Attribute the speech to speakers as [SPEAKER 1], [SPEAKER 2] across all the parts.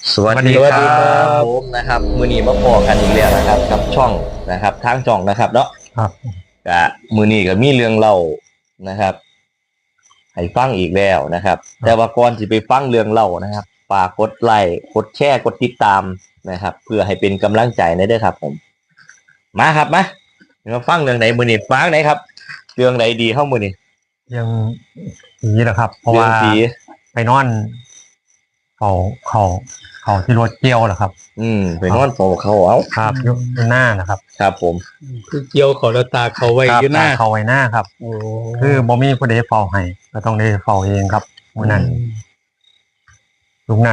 [SPEAKER 1] สวัสดีครับผมนะครับมือนี้มาพอกันอีกแล้วนะครับกับช่องนะครับทางช่องนะครับเนาะ
[SPEAKER 2] ครับ
[SPEAKER 1] กะมือนี้ก็มีเรื่องเล่านะครับให้ฟังอีกแล้วนะครับ แต่ว่าก่อนที่ไปฟังเรื่องเล่านะครับฝากกดไลค์กดแชร์กดติดตามนะครับ เพื่อให้เป็นกำลังใจในเด้อครับผมมาครับมาฟังเรื่องไหนมือนี้ฟังไหนครับเรื่องไหนดีเข้ามือนี้
[SPEAKER 2] ยังผีแหละครับ เพราะ
[SPEAKER 1] เรื่อง
[SPEAKER 2] ว่า
[SPEAKER 1] ผี
[SPEAKER 2] ไปนอนเขาเขาที่รถเกี่ยวแหละครับ
[SPEAKER 1] ไปนอนเฝ้าเขาเอา
[SPEAKER 2] ครับอยู่หน้านะครับ
[SPEAKER 1] ครับผม
[SPEAKER 3] คือเกี่ยวเขาแล้วตาเขาไว้
[SPEAKER 2] ครับ
[SPEAKER 3] อยู่หน้า
[SPEAKER 2] เขาไว้หน้าครับ
[SPEAKER 3] โอ้
[SPEAKER 2] คือบ่มีผู้ใดเฝ้าให้ก็ต้องได้เฝ้าเองครับมื้อนั้นลุงนั้น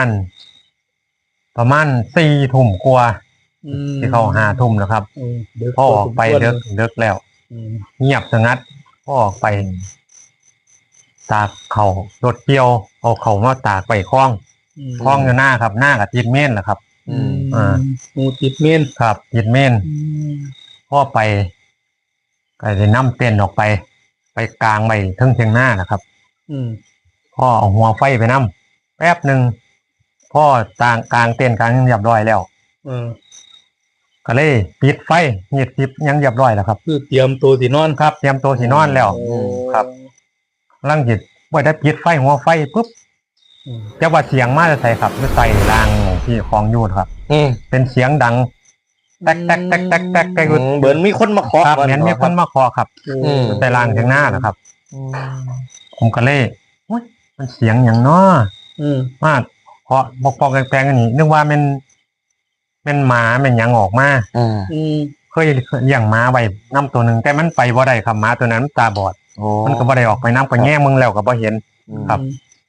[SPEAKER 2] ประมาณ4 ทุ่มกว่าที่เขา5 ทุ่มแล้วครับพ่อออกไปเดึกแล้ว เงียบสงัดพ่อออกไปตากเขารถเกี่ยวเอาเขามาตากไปคล้องอยู่หน้าครับหน้ากับติดเม่นแหละครับ
[SPEAKER 3] งูติดเมน
[SPEAKER 2] ครับติดเม่นพ่อไปก็จะนำเต้นออกไปกลางไปเทิงหน้านะครับพ่อเอาหัวไฟไปนำแป๊บหนึ่งพ่อกลางเต้นกลางยังเรียบร้อยแล้วก็เลยปิดไฟเงียบทิพยังเรียบร้อยแล้วครับ
[SPEAKER 3] คือเตรียมตัวสินอน
[SPEAKER 2] ครับเตรียมตัวสินอนแล้วครับลังจิตว่าได้ปิดไฟหัวไฟปุ๊บจะว่าเสียงมาจะใส่ครับจะใส่รางที่ของยูดครับเป็นเสียงดังแตก
[SPEAKER 1] เหมือนมีคนมาเคาะ
[SPEAKER 2] ครับเหมือนมีคนมาเคาะครับใส่รางทางหน้านะครับผมก็เลยมันเสียงอย่างน้อมาเคาะปอกแปลงๆนี่นึกว่าเป็นหมาเป็นหยังออกมาเคยอย่างหมาไว้น้ำตัวหนึ่งแต่มันไปบ่ได้ครับหมาตัวนั้นตาบอดมันก็บ่ได้ออกไปน้ำก็แง่มึงแล้วก็บ่เห็นครับ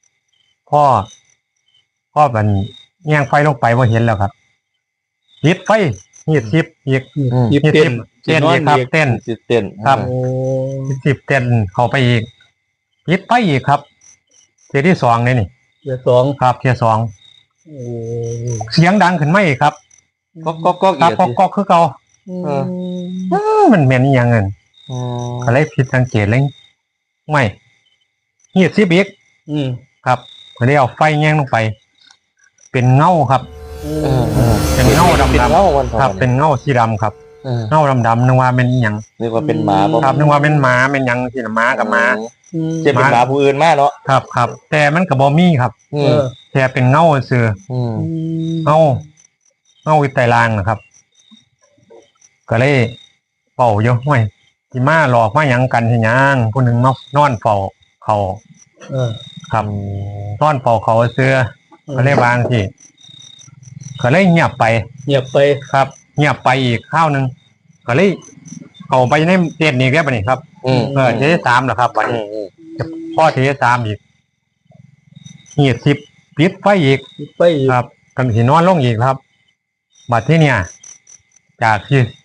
[SPEAKER 2] พ่อมันแง่งไฟลงไปบ่เห็นแล้วครับปิดไฟเงียบชิบอีกเต้นอีกครับเต้นครับ10 เต้นเข้าไปอีกปิดไฟอีกครับเทียที่2นี่
[SPEAKER 3] เทียสอง
[SPEAKER 2] ครับเทีย2เสียงดังขึ้นมาอีกครับก็คือเก่ามันเหม็นอย่างเงินอะไรผิดสังเกตเลยไม่เงียบซิบิกครับไม่ได้เอาไฟแง่งลงไปเป็นเงาครับเป็นเงาดำครับเป็นเงาสีดำครับเงาดำนึกว่าเป็นอย่าง
[SPEAKER 1] นึกว่าเป็นหมา
[SPEAKER 2] ครับนึกว่าเป็นหมาเป็นอย่างที่หมากับหมา
[SPEAKER 1] จะเป็นหมาผู้อื่นมากเนาะ
[SPEAKER 2] ครับแต่มันกับบอมี่ครับแต่เป็นเงาเสือเงาวิตรางนะครับก็เลยเป่าเยอะห้วยที่มาหลอกมาหยังกันที่ยังผู้หนึ่งมานอนเฝ้าเขาครับนอนเฝ้าเขาเสื้อก็เลยบางที่ก็เลยเงียบไปครับเงียบไปอีกข้าวหนึ่งก็เลยเขาไปในเตียนนี้แค่ปะนี่ครับเท3เหรอครับวันนี้พ่อเท3อีกเงียบ10ปิดไฟอีกครับกันที่นอนลงอีกครับบัดที่เนี่ยจาก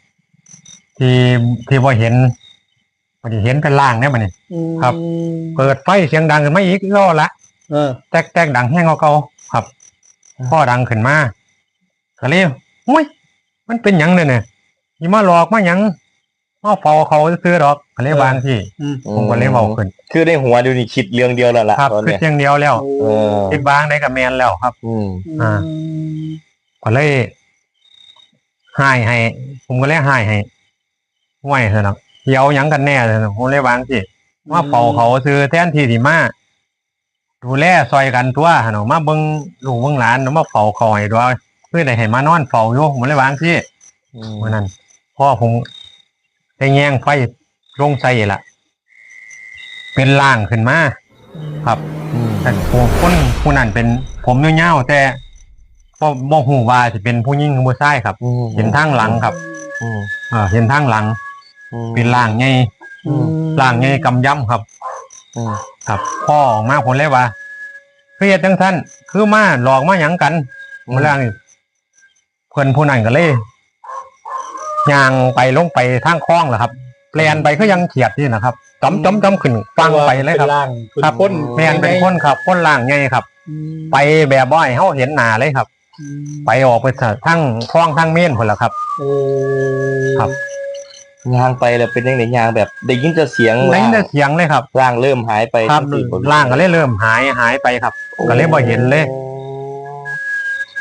[SPEAKER 2] ที่พอเห็นเป็นล่างเนี่ยมันนี่ครับเปิดไฟเสียงดังขึ้นมาอีกก็ละแตกดังแห้งเก่าครับพ่อดังขึ้นมาก็เลยอุ้ยมันเป็นหยังเลยเนี่ยยี่มาหลอกมาหยังมาเฝ้าเขาซื้อดอกก็เลยบางที่ผมก็เลยเบาขึ้น
[SPEAKER 1] คือในหัวเดี๋ยวนี้คิดเรื่องเดียวแล้วล่ะ
[SPEAKER 2] ครับคิดเรื่องเดียวแล้วคิดบางได้กับแมนแล้วครับก็เลยให้ผมก็เลยให้ไหวเถอะนะเดี๋ยวยังกันแน่เลยผมเลยวางสิว่าเป่าเขาซื้อแทนที่มาดูแลซอยกันตัวหนูมาเบิ้งลูกเบิ้งหลานหนูมาเฝ้าเขาให้ด้วยเพื่อได้ให้มานอนเฝ้าอยู่ผมเลยวางสิวันนั้นพ่อผมได้แง่งไฟลงใส่ละเป็นล่างขึ้นมาครับแต่ผู้นั้นเป็นผมเงี้ยวแต่ก็บ่หูว่าจะเป็นผู้หญิงหรือผู้ชายครับเห็นทางหลังครับเห็นทางหลังเป็นล่างไงกำย่ำครับครับพ่อออกมาผลเลยว่าเครียดจังท่านคือมาหลอกมาหยังกันเมื่อไรเพื่อนผู้นั้นก็เลยย่างไปลงไปทางคลองเหรอครับแปลนไปก็ยังเขียดนี่นะครับจำขึ้นฟังไปเลยครับครับแมนเป็นคนครับคนล่างไงครับไปแบบบ่อยเขาเห็นหนาเลยครับไปออกไปทั้งคลองทั้งเม่นคนละครับครับ
[SPEAKER 1] ยางไปแล้วเป็นยังไงยางแบบได้ยินจะเสียง
[SPEAKER 2] เลยครับ
[SPEAKER 1] ร่างเริ่มหายไป
[SPEAKER 2] ครับร่างก็เลยเริ่มหายไปครับก็เลยบ่เห็นเลย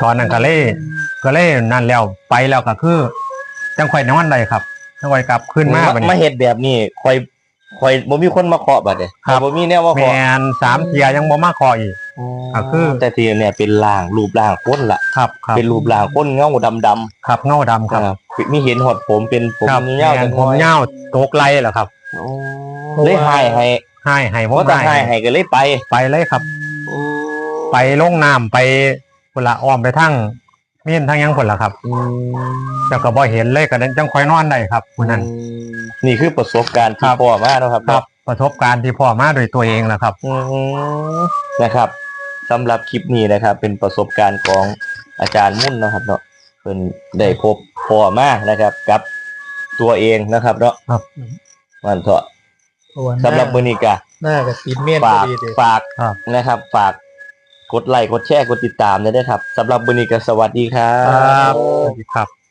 [SPEAKER 2] ตอนนั้นก็เลยนั่นแล้วไปแล้วก็คือจังค่อยนอนได้ครับจังค่อยกลับขึ้นมาบัด
[SPEAKER 1] มา
[SPEAKER 2] นี้
[SPEAKER 1] เฮ็ดแบบนี้คอยบ่มีคนมาเคาะบัดเนี่ย
[SPEAKER 2] ครับ
[SPEAKER 1] บ่มีแนวมา
[SPEAKER 2] แม
[SPEAKER 1] เคาะ
[SPEAKER 2] น3เที่ยยังบ่มาขออีก ก็คือ
[SPEAKER 1] แต่ทีเนี่ยเป็นร่างรูปร่างคนละ
[SPEAKER 2] ครับครับ
[SPEAKER 1] เป็นรูปร่างคนเงาดำ
[SPEAKER 2] ครับเงาดำ
[SPEAKER 1] ๆ
[SPEAKER 2] ครับ
[SPEAKER 1] มีเห็นหอดผมเป็นผม
[SPEAKER 2] ครับ
[SPEAKER 1] เงา
[SPEAKER 2] แม่
[SPEAKER 1] จั
[SPEAKER 2] น
[SPEAKER 1] ง
[SPEAKER 2] ผมเหย้าตกไหลเหรอครับ
[SPEAKER 1] เลยให้
[SPEAKER 2] ให้ผม
[SPEAKER 1] เพราะแต่ให้ก็เลยไป
[SPEAKER 2] ไปเลยครับ ไปลงน้ำไปพุ่นละอ้อมไปทั้งเมียนทั้งหยังพุ่นละครับแต่ก็บ่เห็นเลยก็นั้นจังค่อยนอนได้ครับผู้นั้น
[SPEAKER 1] นี่คือประสบการณ์ที่
[SPEAKER 2] ครับ
[SPEAKER 1] พ่อมาเนาะครับ
[SPEAKER 2] ครับประสบการณ์ที่พ่อมาโดวยตัวเองแหละครับ
[SPEAKER 1] อืมนะครับสำหรับคลิปนี้นะครับ เป็นประสบการณ์ของอาจารย์มุ่นนะครับเนาะเพิ่นได้พบพ่อมานะครับ กับตัวเองนะครับเนาะ
[SPEAKER 2] ครับ
[SPEAKER 1] มันเถอะ
[SPEAKER 3] เพาะว่า
[SPEAKER 1] สำหรับมื้อนี้ก็
[SPEAKER 3] หน้ากับติดเมียนพอ
[SPEAKER 1] ฝาก
[SPEAKER 3] ดีเลย
[SPEAKER 1] ฝาก
[SPEAKER 2] ครับ
[SPEAKER 1] นะครับ ฝากกดไลค์กดแชร์กดติดตามด้วยนะครับสำหรับมื้อนี้ก็สวัสดีครั
[SPEAKER 2] ครับ บสวัสดีครับ